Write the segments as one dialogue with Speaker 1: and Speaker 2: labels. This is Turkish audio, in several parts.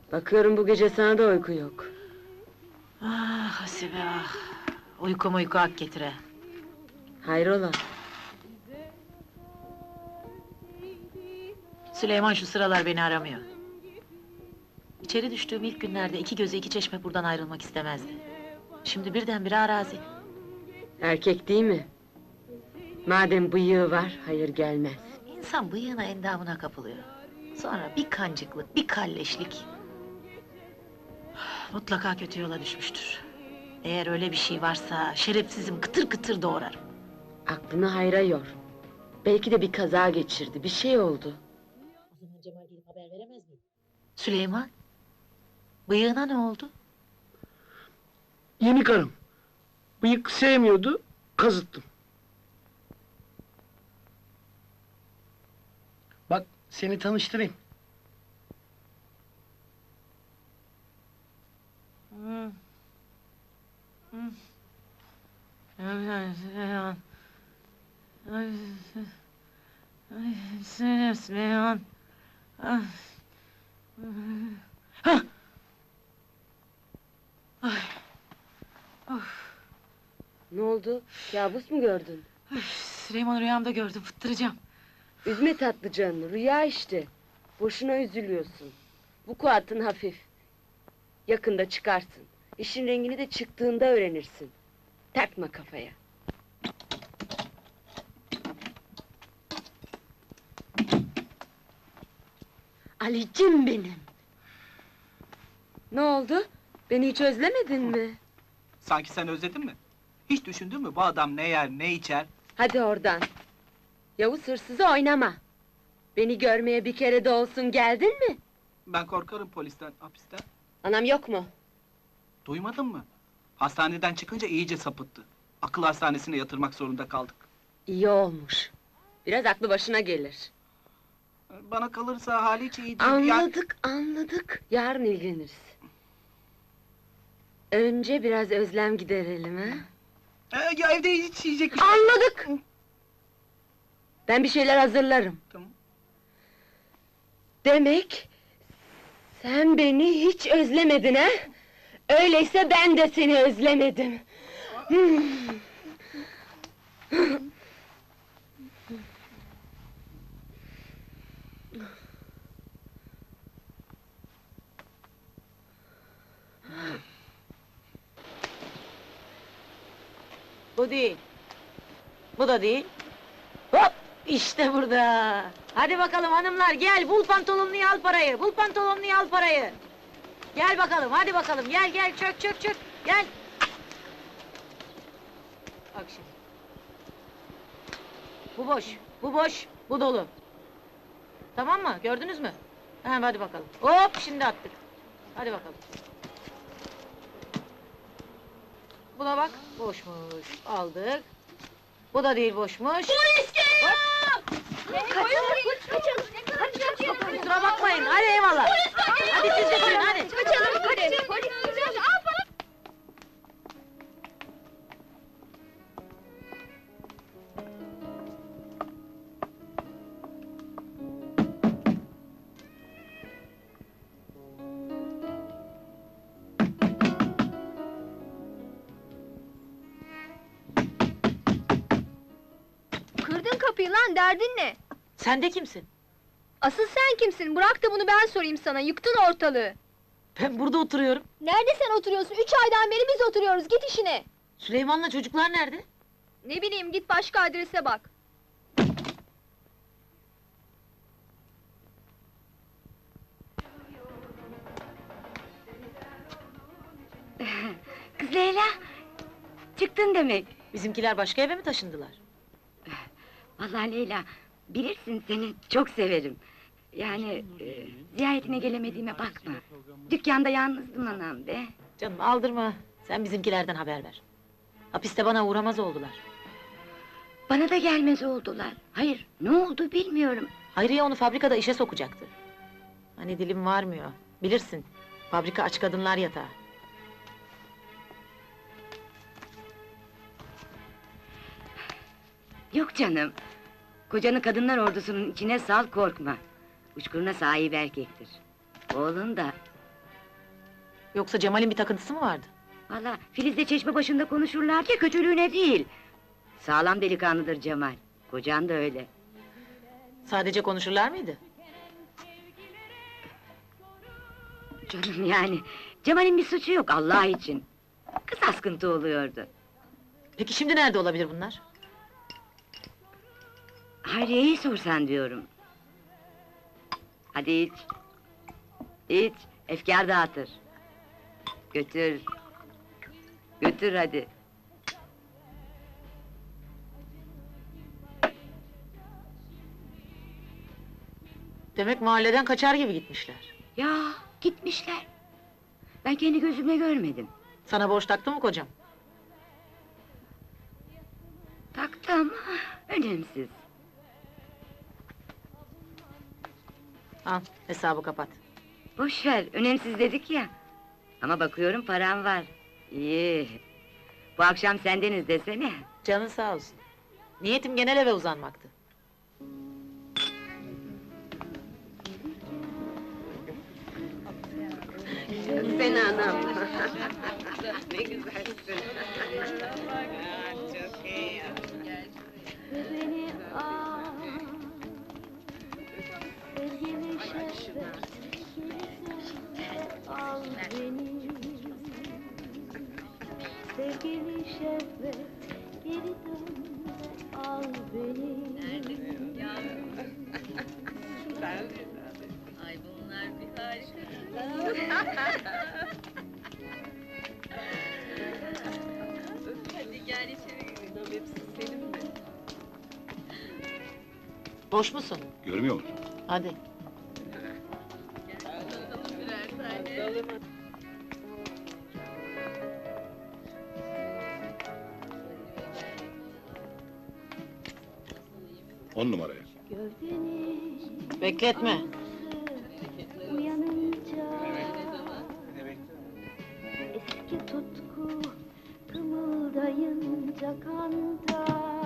Speaker 1: Bakıyorum bu gece sana da uyku yok.
Speaker 2: Ah Hasibe ah! Uyku hak getire.
Speaker 1: Hayrola?
Speaker 2: Süleyman şu sıralar beni aramıyor. İçeri düştüğüm ilk günlerde iki gözü iki çeşme buradan ayrılmak istemezdi. Şimdi birdenbire arazi.
Speaker 1: Erkek değil mi? Madem bıyığı var, hayır gelmez.
Speaker 2: İnsan bıyığına endamına kapılıyor. Sonra bir kancıklık, bir kalleşlik. Mutlaka kötü yola düşmüştür. Eğer öyle bir şey varsa şerefsizim kıtır kıtır doğrarım.
Speaker 1: Aklını hayra yor. Belki de bir kaza geçirdi, bir şey oldu.
Speaker 2: O zaman Cemal gelip haber veremez miyim? Süleyman, bıyığına ne oldu?
Speaker 3: Yeni karım. Bıyık sevmiyordu, kazıttım. Bak, seni tanıştırayım.
Speaker 2: Süleyman.
Speaker 1: Ne oldu? Kabus mu gördün?
Speaker 2: Süleyman rüyamda gördüm, fıttıracağım.
Speaker 1: Üzme tatlı canını, rüya işte. Boşuna üzülüyorsun. Bu kuatın hafif. Yakında çıkarsın. İşin rengini de çıktığında öğrenirsin. Takma kafaya. Alicim benim! Ne oldu? Beni hiç özlemedin mi?
Speaker 4: Sanki sen özledin mi? Hiç düşündün mü bu adam ne yer, ne içer?
Speaker 1: Hadi oradan! Yavuz hırsızı oynama! Beni görmeye bir kere de olsun geldin mi?
Speaker 4: Ben korkarım polisten, hapisten.
Speaker 1: Anam yok mu?
Speaker 4: Duymadın mı? Hastaneden çıkınca iyice sapıttı. Akıl hastanesine yatırmak zorunda kaldık.
Speaker 1: İyi olmuş. Biraz aklı başına gelir.
Speaker 4: Bana kalırsa hali hiç iyi değil. Yani-
Speaker 1: Anladık. Yarın ilgileniriz. Önce biraz özlem giderelim ha?
Speaker 4: Ya evde hiç yiyecek bir şey...
Speaker 1: Anladık! Ben bir şeyler hazırlarım.
Speaker 4: Tamam.
Speaker 1: Demek... sen beni hiç özlemedin ha? Öyleyse ben de seni özlemedim.
Speaker 2: Bu değil. Bu da değil. Hop! İşte burada! Hadi bakalım hanımlar, gel! Bul pantolonluyu al parayı! Bul pantolonluyu al parayı! Gel bakalım, hadi bakalım, gel, çök! Gel! Bak şimdi. Bu boş, bu dolu. Tamam mı? Gördünüz mü? Ha, hadi bakalım. Hop! Şimdi attık. Hadi bakalım. Buna bak, boşmuş. Aldık. Bu da değil, boşmuş. Polis geliyor!
Speaker 5: Kaçalım!
Speaker 2: Kusura bakmayın, hadi eyvallah! Hadi siz de sürün, hadi!
Speaker 5: Kaçalım, polis! Kırdın kapıyı lan, derdin ne?
Speaker 2: Sen de kimsin?
Speaker 5: Asıl sen kimsin? Bırak da bunu ben sorayım sana, yıktın ortalığı!
Speaker 2: Ben burada oturuyorum.
Speaker 5: Nerede sen oturuyorsun? 3 aydan beri biz oturuyoruz, git işine!
Speaker 2: Süleyman'la çocuklar nerede?
Speaker 5: Ne bileyim, git başka adrese bak!
Speaker 1: Kız Leyla! Çıktın demek.
Speaker 2: Bizimkiler başka eve mi taşındılar?
Speaker 6: Vallahi Leyla, bilirsin seni çok severim. Yani ziyaretine gelemediğime bakma. Dükkanda yalnızdım anam be.
Speaker 2: Canım aldırma, sen bizimkilerden haber ver. Hapiste bana uğramaz oldular.
Speaker 6: Bana da gelmez oldular. Hayır, ne oldu bilmiyorum.
Speaker 2: Hayriye onu fabrikada işe sokacaktı. Hani dilim varmıyor, bilirsin. Fabrika aç kadınlar yatağı.
Speaker 6: Yok canım. Kocanı kadınlar ordusunun içine sal, korkma. Uçkuruna sahip erkektir. Oğlun da
Speaker 2: Yoksa Cemal'in bir takıntısı mı vardı?
Speaker 6: Valla Filiz'le çeşme başında konuşurlar ya, kötülüğüne değil. Sağlam delikanlıdır Cemal. Kocan da öyle.
Speaker 2: Sadece konuşurlar mıydı?
Speaker 6: Canım yani, Cemal'in bir suçu yok Allah için. Kız askıntı oluyordu.
Speaker 2: Peki şimdi nerede olabilir bunlar?
Speaker 6: Hayriye'yi sorsan diyorum. Hadi iç. İç, efkar dağıtır. Götür. Götür hadi.
Speaker 2: Demek mahalleden kaçar gibi gitmişler.
Speaker 6: Ya gitmişler. Ben kendi gözümle görmedim.
Speaker 2: Sana borç taktı mı kocam?
Speaker 6: Taktı ama önemsiz.
Speaker 2: Al, hesabı kapat.
Speaker 6: Boş ver, önemsiz dedik ya. Ama bakıyorum param var. İyi. Bu akşam sendeniz desene.
Speaker 2: Canın sağ olsun. Niyetim genel eve uzanmaktı.
Speaker 1: Sen anam. Ne güzelsin.
Speaker 5: Beni al, sevgili şehvet, al beni. Sevgili şehvet, geri dön ve al beni.
Speaker 2: Boş musun?
Speaker 7: Görmüyor musun?
Speaker 2: Hadi.
Speaker 7: On numaraya.
Speaker 5: Gövdeni
Speaker 2: Bekletme.
Speaker 5: uyanınca eski tutku kımıldayınca kanda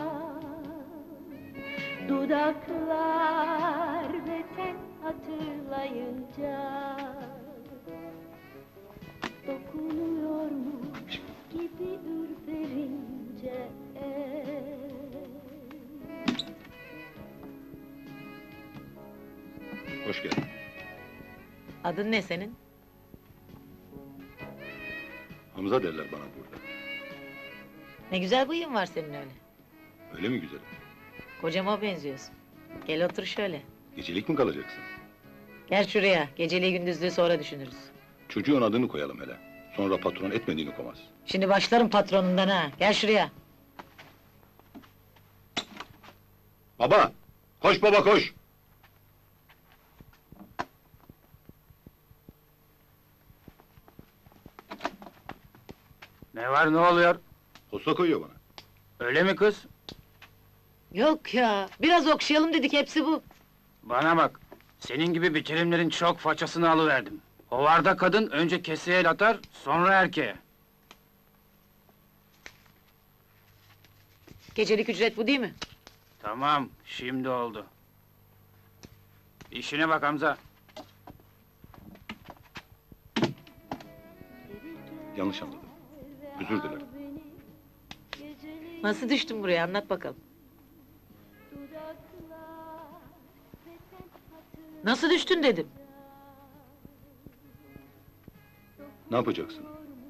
Speaker 5: dudaklar ve sen hatırlayınca dokunuyormuş gibi ürperince
Speaker 7: Hoş geldin.
Speaker 2: Adın ne senin?
Speaker 7: Hamza derler bana burada.
Speaker 2: Ne güzel bıyığın var senin öyle.
Speaker 7: Öyle mi güzelim?
Speaker 2: Kocama benziyorsun. Gel otur şöyle.
Speaker 7: Gecelik mi kalacaksın?
Speaker 2: Gel şuraya. Geceliği gündüzlüğü sonra düşünürüz.
Speaker 7: Çocuğun adını koyalım hele. Sonra patron etmediğini komaz.
Speaker 2: Şimdi başlarım patronundan ha. Gel şuraya.
Speaker 7: Baba! Koş baba koş!
Speaker 3: Ne var, ne oluyor?
Speaker 7: Posta koyuyor bana.
Speaker 3: Öyle mi kız?
Speaker 2: Yok ya. Biraz okşayalım dedik, hepsi bu.
Speaker 3: Bana bak, senin gibi bitirimlerin çok façasını alıverdim. Hovarda kadın önce keseye el atar, sonra erkeğe.
Speaker 2: Gecelik ücret bu değil mi?
Speaker 3: Tamam, şimdi oldu. İşine bak Hamza.
Speaker 7: Yanlış anladım. Özür dilerim.
Speaker 2: Nasıl düştün buraya, anlat bakalım. Nasıl düştün dedim.
Speaker 7: Ne yapacaksın?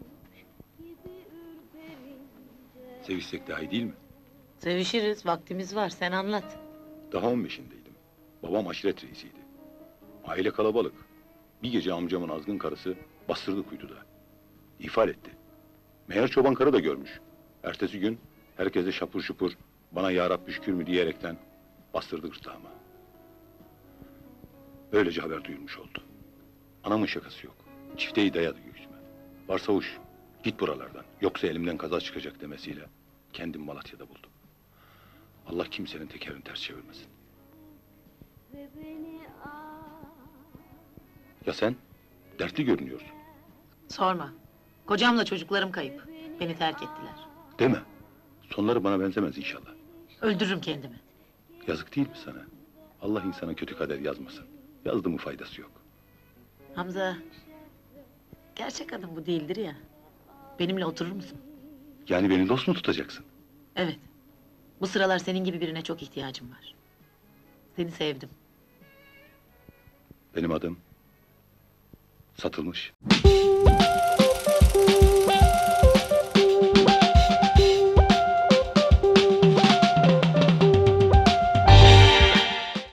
Speaker 7: Sevişsek daha iyi değil mi?
Speaker 2: Sevişiriz, vaktimiz var, sen anlat.
Speaker 7: Daha 15'indeydim. Babam aşiret reisiydi. Aile kalabalık. Bir gece amcamın azgın karısı bastırdı kuytuda. İhfal etti. Meğer çoban karı da görmüş. Ertesi gün herkese şapur şupur bana ya Rabbi şükür mü diyerekten bastırdı gırtlağıma. Böylece haber duyulmuş oldu. Anamın şakası yok. Çifteyi dayadı göğsüme. Varsavuş, git buralardan. Yoksa elimden kaza çıkacak demesiyle kendim Malatya'da buldum. Allah kimsenin tekerini ters çevirmesin. Ya sen? Dertli görünüyorsun.
Speaker 2: Sorma. Kocamla çocuklarım kayıp. Beni terk ettiler.
Speaker 7: Deme. Sonları bana benzemez inşallah.
Speaker 2: Öldürürüm kendimi.
Speaker 7: Yazık değil mi sana? Allah insana kötü kader yazmasın. Yazdı mı faydası yok.
Speaker 2: Hamza... Gerçek kadın bu değildir ya. Benimle oturur musun?
Speaker 7: Yani beni dost mu tutacaksın?
Speaker 2: Evet. Bu sıralar senin gibi birine çok ihtiyacım var. Seni sevdim.
Speaker 7: Benim adım satılmış.